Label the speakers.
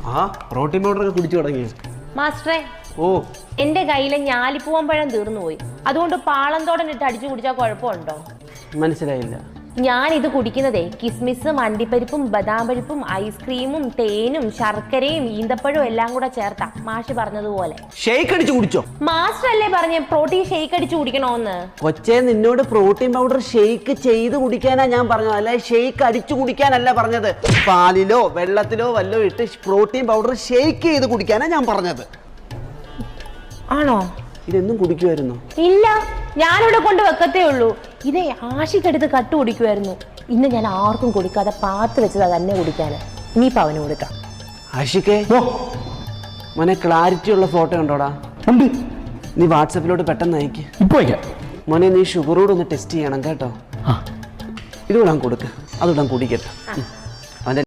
Speaker 1: ആ protein powder ഒക്കെ കുടിച്ചു തുടങ്ങി
Speaker 2: മാസ്റ്ററെ.
Speaker 1: ഓ,
Speaker 2: എന്റെ കയ്യിലെ ഞാലിപ്പൂവമ്പഴം തീർന്നു പോയി. അതുകൊണ്ട് പാളന്തോടൻ ഇട്ട് അടിച്ചു കുടിച്ചാൽ കുഴപ്പമുണ്ടോ?
Speaker 1: മനസ്സിലായില്ല.
Speaker 2: ഞാൻ ഇത് കുടിക്കുന്നതേ കിസ്മിസും അണ്ടിപ്പരിപ്പും ബദാം പരിപ്പും ഐസ്ക്രീമും തേനും ശർക്കരയും ഈന്തപ്പഴവും എല്ലാം കൂടെ ചേർത്താ മാഷ് പറഞ്ഞതുപോലെ.
Speaker 1: ഷേക്ക് അടിച്ചു കുടിച്ചോ?
Speaker 2: മാസ്റ്റർ അല്ലേ പറഞ്ഞ പ്രോട്ടീൻ ഷേക്ക് അടിച്ചു കുടിക്കണോന്ന്?
Speaker 1: കൊച്ചേ, നിന്നോട് പ്രോട്ടീൻ പൗഡർ ഷേക്ക് ചെയ്ത് കുടിക്കാനാ ഞാൻ പറഞ്ഞത്, അല്ല ഷേക്ക് അടിച്ചു കുടിക്കാനല്ല പറഞ്ഞത്. പാലിലോ വെള്ളത്തിലോ വല്ലോ ഇട്ട് പ്രോട്ടീൻ പൗഡർ ഷേക്ക് ചെയ്ത് കുടിക്കാനാ ഞാൻ പറഞ്ഞത്.
Speaker 2: ആണോ?
Speaker 1: ഇതെന്നും കുടിക്കുമായിരുന്നു?
Speaker 2: ഇല്ല, ഞാനിവിടെ കൊണ്ട് വെക്കത്തേ ഉള്ളൂ. ഇതേ ആഷിക്കെടുത്ത് കട്ട് കുടിക്കുമായിരുന്നു. ഇന്ന് ഞാൻ ആർക്കും കൊടുക്കാതെ പാത്ത് വെച്ചതാ തന്നെ കുടിക്കാന്. ഇനിയിപ്പോ അവന് കൊടുക്കാം.
Speaker 1: ആഷിക്കേ, മോനെ ക്ലാരിറ്റി ഉള്ള ഫോട്ടോ ഉണ്ടോടാ?
Speaker 3: ഉണ്ട്.
Speaker 1: നീ വാട്സപ്പിലോട്ട് പെട്ടെന്ന് അയക്ക്.
Speaker 3: ഇപ്പൊ അയക്കാം.
Speaker 1: മോനെ, നീ ഷുഗറോട് ഒന്ന് ടെസ്റ്റ് ചെയ്യണം കേട്ടോ. ഇതുകൂടാൻ കൊടുക്ക്, അതുകൂടാൻ കുടിക്കട്ടെ.